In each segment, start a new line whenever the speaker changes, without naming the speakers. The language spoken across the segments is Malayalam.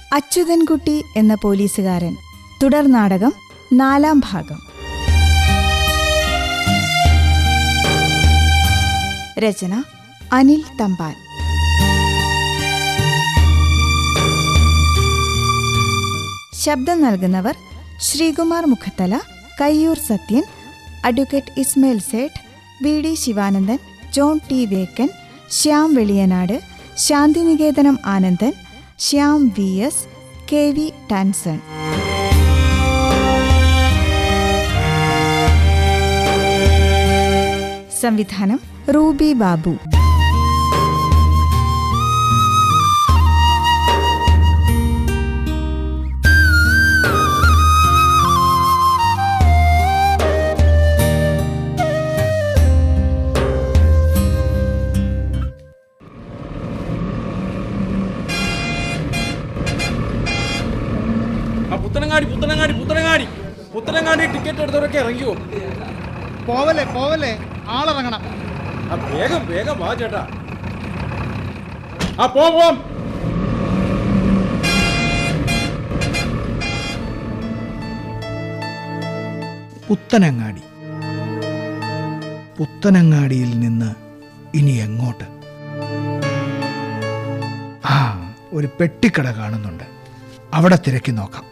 അച്യുതൻകുട്ടി എന്ന പോലീസുകാരൻ തുടർ നാടകം 4-ാം ഭാഗം. രചന അനിൽ തമ്പാൻ. ശബ്ദം നൽകുന്നവർ Sreekumar Mukhathala, Kayyur Sathyan, advocate Ismail Sait, VD. Sivanandan, John T Vekkan, Shyam Veliyanad, Santhiniketanam Anandan, Shyam VS., KV. Tanson. സംവിധാനം റൂബി ബാബു.
പുത്തനങ്ങാടി ടിക്കറ്റ് എടുത്തവരൊക്കെ ഇറങ്ങിയോ?
പോവല്ലേ ആളിറങ്ങണം.
വേഗം വാ ചേട്ടാ. പോവാം.
പുത്തനങ്ങാടിയിൽ നിന്ന് ഇനി എങ്ങോട്ട്? ഒരു പെട്ടിക്കട കാണുന്നുണ്ട്, അവിടെ തിരക്കി നോക്കാം.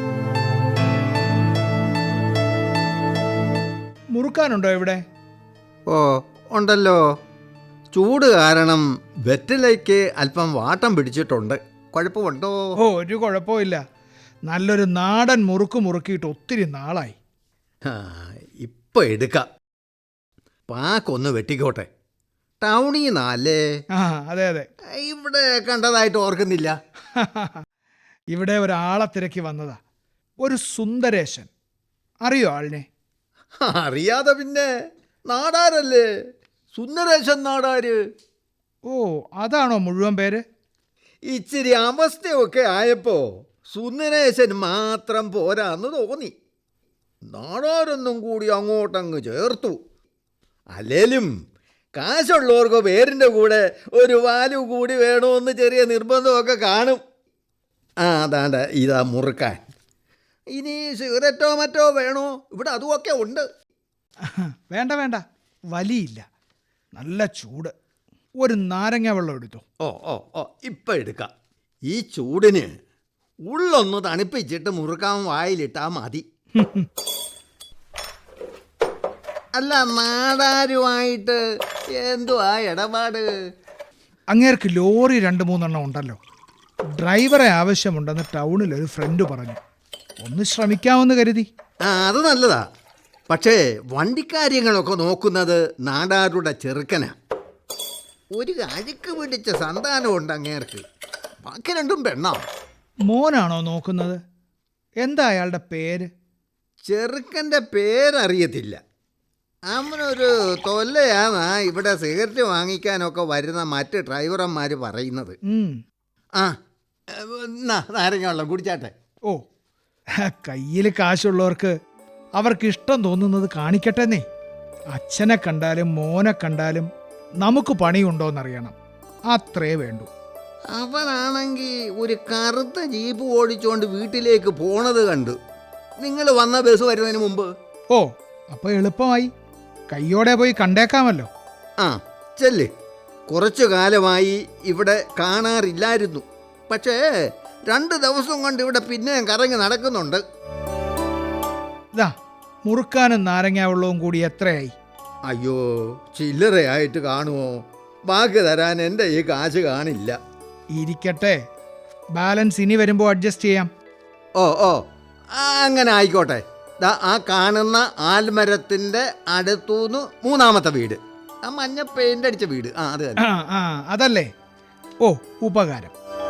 മുറുക്കാനുണ്ടോ ഇവിടെ?
ഓ ഉണ്ടല്ലോ. ചൂട് കാരണം വെറ്റിലയ്ക്ക് അല്പം വാട്ടം പിടിച്ചിട്ടുണ്ട്. കുഴപ്പമുണ്ടോ?
ഒരു കുഴപ്പമില്ല. നല്ലൊരു നാടൻ മുറുക്കിയിട്ട് ഒത്തിരി നാളായി.
ഇപ്പം എടുക്കാം. പാക്കൊന്ന് വെട്ടിക്കോട്ടെ. ടൗണിൽ നിന്നല്ലേ?
അതെ.
ഇവിടെ കണ്ടതായിട്ട് ഓർക്കുന്നില്ല.
ഇവിടെ ഒരാളെ തിരക്കി വന്നതാ, ഒരു സുന്ദരേശൻ. അറിയോ ആളിനെ?
അറിയാതെ പിന്നെ. നാടാരല്ലേ, സുന്ദരേശൻ നാടാര്.
അതാണോ മുഴുവൻ പേര്?
ഇച്ചിരി അവസ്ഥയൊക്കെ ആയപ്പോ സുന്ദരേശൻ മാത്രം പോരാന്ന് തോന്നി. നാടാരൊന്നും കൂടി അങ്ങോട്ടങ്ങ് ചേർത്തു. അല്ലേലും കാശുള്ളവർക്ക് പേരിൻ്റെ കൂടെ ഒരു വാലു കൂടി വേണമെന്ന് ചെറിയ നിർബന്ധമൊക്കെ കാണും. അതാണ്ട ഇതാ മുറുക്കാൻ. ഇനി സിഗരറ്റോ മറ്റോ വേണോ? ഇവിടെ അതുമൊക്കെ ഉണ്ട്.
വേണ്ട, വലിയില്ല. നല്ല ചൂട്. ഒരു നാരങ്ങ വെള്ളം എടുത്തു.
ഇപ്പം എടുക്കാം. ഈ ചൂടിന് ഉള്ളൊന്ന് തണുപ്പിച്ചിട്ട് മുറുക്കാൻ വായിലിട്ടാ മതി. അല്ല, നാടാരുമായിട്ട് എന്തുവാ ഇടപാട്?
അങ്ങേർക്ക് ലോറി 2-3 ഉണ്ടല്ലോ. ഡ്രൈവറെ ആവശ്യമുണ്ടെന്ന് ടൗണിൽ ഒരു ഫ്രണ്ട് പറഞ്ഞു. ഒന്ന് ശ്രമിക്കാമെന്ന് കരുതി.
അത് നല്ലതാ. പക്ഷേ വണ്ടിക്കാര്യങ്ങളൊക്കെ നോക്കുന്നത് നാടാരുടെ ചെറുക്കനാ. ഒരു അഴുക്ക് പിടിച്ച സന്താനമുണ്ട് അങ്ങേർക്ക്. ബാക്കി രണ്ടും പെണ്ണാ.
മോനാണോ നോക്കുന്നത്? എന്താ അയാളുടെ പേര്?
ചെറുക്കൻ്റെ പേരറിയത്തില്ല. അവനൊരു തൊല്ലയാന്നാ ഇവിടെ സിഗരറ്റ് വാങ്ങിക്കാനൊക്കെ വരുന്ന മറ്റ് ഡ്രൈവർമാർ പറയുന്നത്. നാരങ്ങ വെള്ളം കുടിച്ചാട്ടെ.
കയ്യിൽ കാശുള്ളവർക്ക് അവർക്ക് ഇഷ്ടം തോന്നുന്നത് കാണിക്കട്ടെന്നേ. അച്ഛനെ കണ്ടാലും മോനെ കണ്ടാലും നമുക്ക് പണിയുണ്ടോന്നറിയണം, അത്രേ വേണ്ടൂ.
അവനാണെങ്കിൽ ഒരു കറുത്ത ജീപ്പ് ഓടിച്ചുകൊണ്ട് വീട്ടിലേക്ക് പോണത് കണ്ടു. നിങ്ങൾ വന്ന ബസ് വരുന്നതിന് മുമ്പ്.
അപ്പൊ എളുപ്പമായി. കയ്യോടെ പോയി കണ്ടേക്കാമല്ലോ.
ചെല്ല്. കുറച്ചു കാലമായി ഇവിടെ കാണാറില്ലായിരുന്നു. പക്ഷേ 2 ദിവസം കൊണ്ട് ഇവിടെ പിന്നെയും കറങ്ങി നടക്കുന്നുണ്ട്.
മുറുക്കാനും നാരങ്ങ വെള്ളവും കൂടി എത്രയായി?
അയ്യോ, ചില്ലറയായിട്ട് കാണുമോ? ബാക്കി തരാൻ എൻ്റെ ഈ കാശ് കാണില്ല.
ഇരിക്കട്ടെ, ബാലൻസ് ഇനി വരുമ്പോൾ അഡ്ജസ്റ്റ് ചെയ്യാം.
അങ്ങനെ ആയിക്കോട്ടെ. ആ കാണുന്ന ആൽമരത്തിൻ്റെ അടുത്തുനിന്ന് 3ാമത്തെ വീട്, ആ മഞ്ഞ പെയിന്റ് അടിച്ച വീട്. അത്
അതല്ലേ? ഉപകാരം.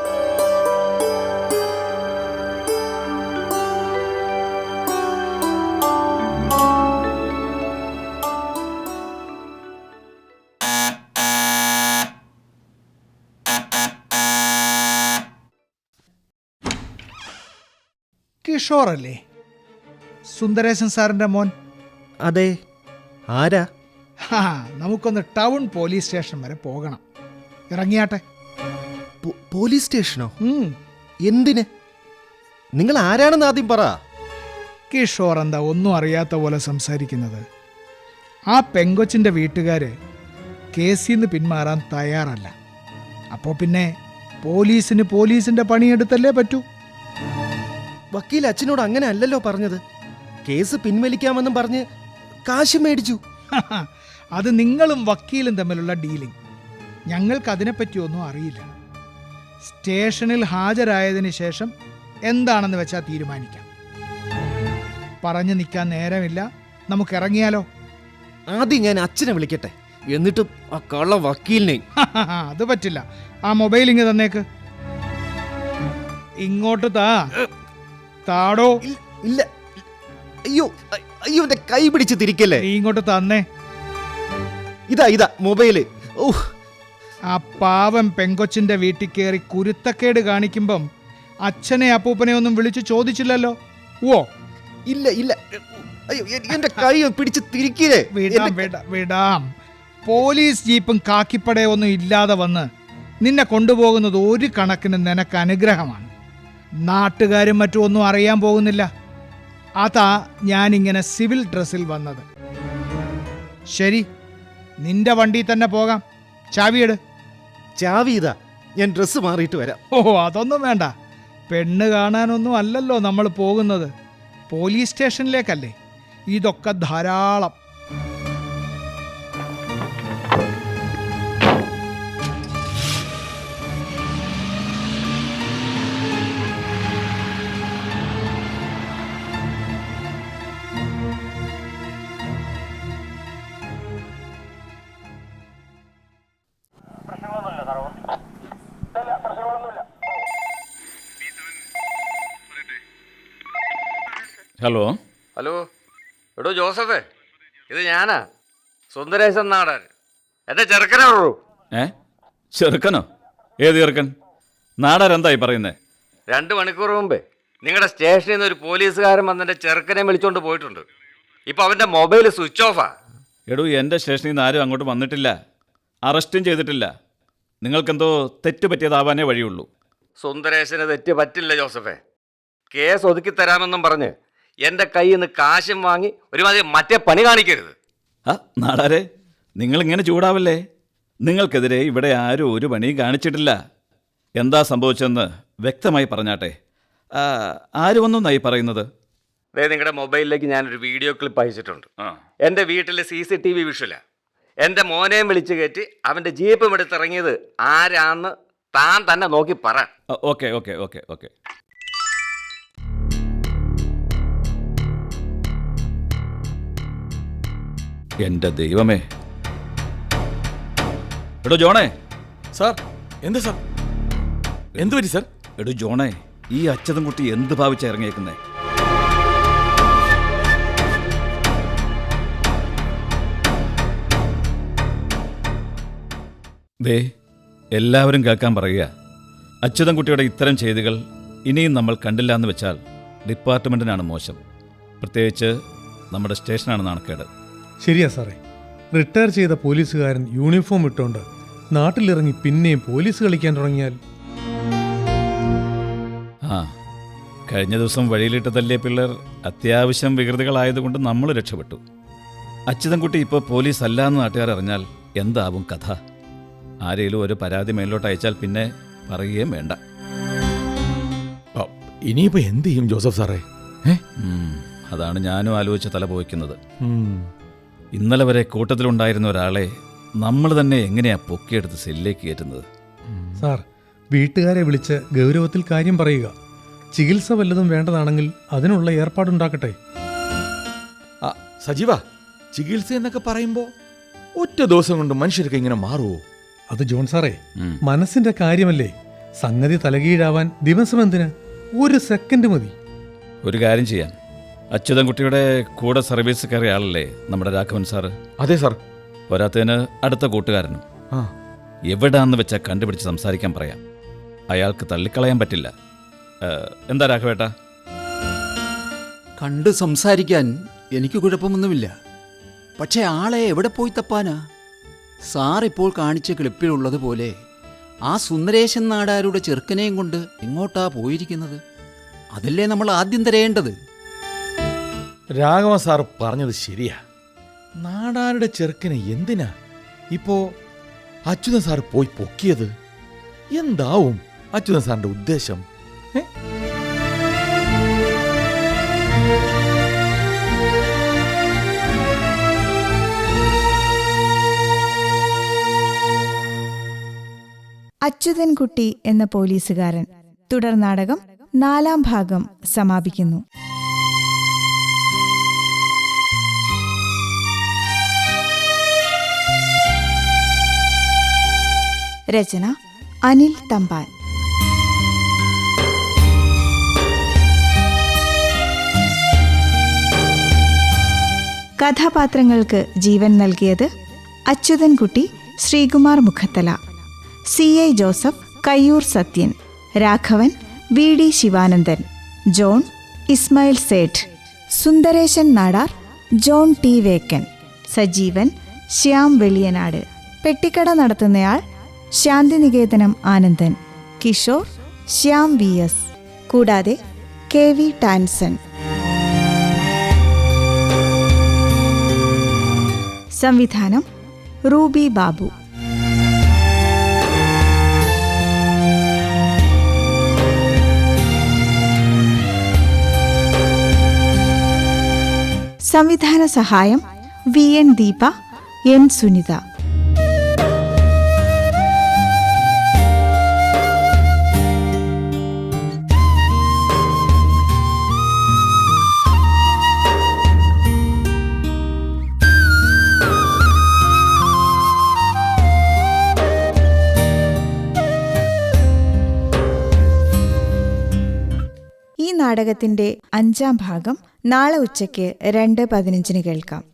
കിഷോറല്ലേ? സുന്ദരേശൻ സാറിന്റെ മോൻ?
അതെ. ആരാ?
നമുക്കൊന്ന് ടൗൺ പോലീസ് സ്റ്റേഷൻ വരെ പോകണം. ഇറങ്ങിയാട്ടെ.
പോലീസ് സ്റ്റേഷനോ? എന്തിന്? നിങ്ങൾ ആരാണെന്ന് ആദ്യം പറ.
കിഷോർ എന്താ ഒന്നും അറിയാത്ത പോലെ സംസാരിക്കുന്നത്? ആ പെങ്കൊച്ചിൻ്റെ വീട്ടുകാർ കേസിൽ നിന്ന് പിന്മാറാൻ തയ്യാറല്ല. അപ്പോൾ പിന്നെ പോലീസിന് പോലീസിൻ്റെ പണിയെടുത്തല്ലേ പറ്റൂ.
വക്കീൽ അച്ഛനോട് അങ്ങനെ അല്ലല്ലോ പറഞ്ഞത്. കേസ് പിൻവലിക്കാമെന്നും പറഞ്ഞ് കാശ് മേടിച്ചു.
അത് നിങ്ങളും വക്കീലും തമ്മിലുള്ള ഡീലിംഗ്. ഞങ്ങൾക്ക് അതിനെപ്പറ്റിയൊന്നും അറിയില്ല. സ്റ്റേഷനിൽ ഹാജരായതിനു ശേഷം എന്താണെന്ന് വെച്ചാൽ തീരുമാനിക്കാം. പറഞ്ഞു നിൽക്കാൻ നേരമില്ല, നമുക്ക് ഇറങ്ങിയാലോ?
ആദ്യം ഞാൻ അച്ഛനെ വിളിക്കട്ടെ, എന്നിട്ട് ആ കള്ള വക്കീലിനെ.
അത് പറ്റില്ല. ആ മൊബൈൽ ഇങ്ങ് തന്നേക്ക്. ഇങ്ങോട്ട് താടോ.
ഇല്ല, അയ്യോ അയ്യോ, എന്റെ കൈ പിടിച്ച് തിരിക്കല്ലേ.
നീ ഇങ്ങോട്ട് തന്നേ.
ഇതാ മൊബൈല്. ഓ,
ആ പാവം പെങ്കൊച്ചിന്റെ വീട്ടിൽ കയറി കുരുത്തക്കേട് കാണിക്കുമ്പം അച്ഛനെ അപ്പൂപ്പനെ ഒന്നും വിളിച്ചു ചോദിച്ചില്ലല്ലോ. ഓ
ഇല്ല, അയ്യോ, എന്റെ കൈ പിടിച്ച് തിരിക്കില്ലേ.
വിടാം. പോലീസ് ജീപ്പും കാക്കിപ്പടയൊന്നും ഇല്ലാതെ വന്ന് നിന്നെ കൊണ്ടുപോകുന്നത് ഒരു കണക്കിന് നിനക്ക് അനുഗ്രഹമാണ്. നാട്ടുകാരും മറ്റും ഒന്നും അറിയാൻ പോകുന്നില്ല. അതാ ഞാനിങ്ങനെ സിവിൽ ഡ്രസ്സിൽ വന്നത്. ശരി, നിന്റെ വണ്ടി തന്നെ പോകാം. ചാവിയെട്.
ചാവി ഇതാ, ഞാൻ ഡ്രസ്സ് മാറിയിട്ട് വരാം.
ഓ, അതൊന്നും വേണ്ട. പെണ്ണ് കാണാനൊന്നും അല്ലല്ലോ നമ്മൾ പോകുന്നത്. പോലീസ് സ്റ്റേഷനിലേക്കല്ലേ. ഇതൊക്കെ ധാരാളം.
ഹലോ
ഹലോ, എടോ ജോസഫേ, ഇത് ഞാനാ, സുന്ദരേശൻ നാടൻ. എൻ്റെ ചെറുക്കനേ ഉള്ളൂ.
ചെറുക്കനോ? ഏത് ചെറുക്കൻ? നാടാരെന്തായി പറയുന്നേ?
2 മണിക്കൂർ മുമ്പേ നിങ്ങളുടെ സ്റ്റേഷനിൽ നിന്ന് ഒരു പോലീസുകാരൻ വന്ന് എൻ്റെ ചെറുക്കനെ വിളിച്ചോണ്ട് പോയിട്ടുണ്ട്. ഇപ്പം അവൻ്റെ മൊബൈൽ സ്വിച്ച് ഓഫാ.
എടൂ, എൻ്റെ സ്റ്റേഷനിൽ നിന്ന് ആരും അങ്ങോട്ട് വന്നിട്ടില്ല, അറസ്റ്റും ചെയ്തിട്ടില്ല. നിങ്ങൾക്കെന്തോ തെറ്റ് പറ്റിയതാവാനേ വഴിയുള്ളൂ.
സുന്ദരേശന് തെറ്റ് പറ്റില്ല ജോസഫേ. കേസ് ഒതുക്കി തരാമെന്നും പറഞ്ഞ് എൻ്റെ കയ്യിൽ നിന്ന് കാശും വാങ്ങി ഒരുമാതിരി മറ്റേ പണി കാണിക്കരുത്.
നാടാരെ, നിങ്ങളിങ്ങനെ ചൂടാവല്ലേ. നിങ്ങൾക്കെതിരെ ഇവിടെ ആരും ഒരു പണിയും കാണിച്ചിട്ടില്ല. എന്താ സംഭവിച്ചതെന്ന് വ്യക്തമായി പറഞ്ഞാട്ടെ. ആര് വന്നൊന്നായി പറയുന്നത്?
അതായത് നിങ്ങളുടെ മൊബൈലിലേക്ക് ഞാനൊരു വീഡിയോ ക്ലിപ്പ് അയച്ചിട്ടുണ്ട്. എൻ്റെ വീട്ടിൽ CCTV വിഷ്വലാണ്. എൻ്റെ മോനെയും വിളിച്ച് കയറ്റി അവൻ്റെ ജീപ്പും എടുത്തിറങ്ങിയത് ആരാന്ന് താൻ തന്നെ നോക്കി പറ.
ഓക്കെ. എൻ്റെ ദൈവമേ. എടോ ജോണേ.
സാർ, എന്താ സാർ? എന്തു പറ്റി സാർ?
എടോ ജോണേ, ഈ അച്ഛതും കുട്ടി എന്ത് ഭാവിച്ചാ ഇറങ്ങിയേക്കുന്നേ? ദേ, എല്ലാവരും കേൾക്കാൻ പറയുക. അച്യുതൻകുട്ടിയുടെ ഇത്തരം ചെയ്തികൾ ഇനിയും നമ്മൾ കണ്ടില്ല എന്ന് വെച്ചാൽ ഡിപ്പാർട്ട്മെൻറ്റിനാണ് മോശം. പ്രത്യേകിച്ച് നമ്മുടെ സ്റ്റേഷനാണ് നാണക്കേട്.
ശരിയാ സാറേ. റിട്ടയർ ചെയ്ത പോലീസുകാരൻ യൂണിഫോം ഇട്ടുകൊണ്ട് നാട്ടിലിറങ്ങി പിന്നെയും പോലീസ് കളിക്കാൻ തുടങ്ങിയാൽ.
കഴിഞ്ഞ ദിവസം വഴിയിലിട്ട് തല്ലിയ പിള്ളേർ അത്യാവശ്യം വികൃതികളായതുകൊണ്ട് നമ്മൾ രക്ഷപ്പെട്ടു. അച്യുതൻകുട്ടി ഇപ്പോൾ പോലീസ് അല്ല എന്ന് നാട്ടുകാർ അറിഞ്ഞാൽ എന്താവും കഥ? ആരെങ്കിലും ഒരു പരാതി മേലോട്ട് അയച്ചാൽ പിന്നെ പറയുകയും വേണ്ട.
ഇനിയിപ്പോ എന്ത് ചെയ്യും ജോസഫ് സാറേ?
അതാണ് ഞാനും ആലോചിച്ച് തല പോയിക്കുന്നത്. ഇന്നലെ വരെ കൂട്ടത്തിലുണ്ടായിരുന്ന ഒരാളെ നമ്മൾ തന്നെ എങ്ങനെയാ പൊക്കിയെടുത്ത് സെല്ലിലേക്ക് കയറ്റുന്നത്?
സാർ, വീട്ടുകാരെ വിളിച്ച് ഗൗരവത്തിൽ കാര്യം പറയുക. ചികിത്സ വല്ലതും വേണ്ടതാണെങ്കിൽ അതിനുള്ള ഏർപ്പാടുണ്ടാക്കട്ടെ.
സജീവ, ചികിത്സ എന്നൊക്കെ പറയുമ്പോ ഒറ്റ ദിവസം കൊണ്ട് മനുഷ്യർക്ക് ഇങ്ങനെ മാറുമോ?
അത് ജോൺ സാറേ, മനസ്സിന്റെ കാര്യമല്ലേ. സംഗതി തലകീഴാവാൻ ദിവസം എന്തിന്? 1 സെക്കൻഡ് മതി.
ഒരു കാര്യം ചെയ്യാം. അച്യുതൻകുട്ടിയുടെ കൂടെ സർവീസ് കയറിയ ആളല്ലേ നമ്മുടെ രാഘവൻ സാറ്?
അതെ സാർ.
പോരാത്തതിന് അടുത്ത കൂട്ടുകാരനും. എവിടാന്ന് വെച്ചാൽ കണ്ടുപിടിച്ച് സംസാരിക്കാൻ പറയാം. അയാൾക്ക് തള്ളിക്കളയാൻ പറ്റില്ല. എന്താ രാഘവേട്ട?
കണ്ട് സംസാരിക്കാൻ എനിക്ക് കുഴപ്പമൊന്നുമില്ല. പക്ഷേ ആളെ എവിടെ പോയി തപ്പാനാ? സാർ ഇപ്പോൾ കാണിച്ച ക്ലിപ്പിലുള്ളതുപോലെ ആ സുന്ദരേശൻ നാടാരുടെ ചെറുക്കനെയും കൊണ്ട് എങ്ങോട്ടാ പോയിരിക്കുന്നത്? അതല്ലേ നമ്മൾ ആദ്യം തരേണ്ടത്.
രാഘവൻ സാർ പറഞ്ഞത് ശരിയാ. നാടാരുടെ ചെറുക്കനെ എന്തിനാ ഇപ്പോ അച്യുതൻ സാർ പോയി പൊക്കിയത്? എന്താവും അച്യുതൻ സാറിന്റെ ഉദ്ദേശം?
അച്യുതൻകുട്ടി എന്ന പോലീസുകാരൻ തുടർ നാടകം 4-ാം ഭാഗം സമാപിക്കുന്നു. രചന അനിൽ തമ്പാൻ. കഥാപാത്രങ്ങൾക്ക് ജീവൻ നൽകിയത് Achuthankutty Sreekumar Mukhathala, CI Joseph Kayyur Sathyan, Raghavan VD Sivanandan, John Ismail Sait, Sundaresan Nadar John T Vekkan, Sajeevan Shyam Veliyanad, പെട്ടിക്കട നടത്തുന്നയാൾ ശാന്തിനികേതനം ആനന്ദൻ, കിഷോർ ശ്യാം VS, കൂടാതെ KV ടാൻസൺ. സംവിധാനം റൂബി ബാബു. സംവിധാന സഹായം VN ദീപ, N സുനിത. ഈ നാടകത്തിന്റെ 5-ാം ഭാഗം നാളെ ഉച്ചയ്ക്ക് 2:15 കേൾക്കാം.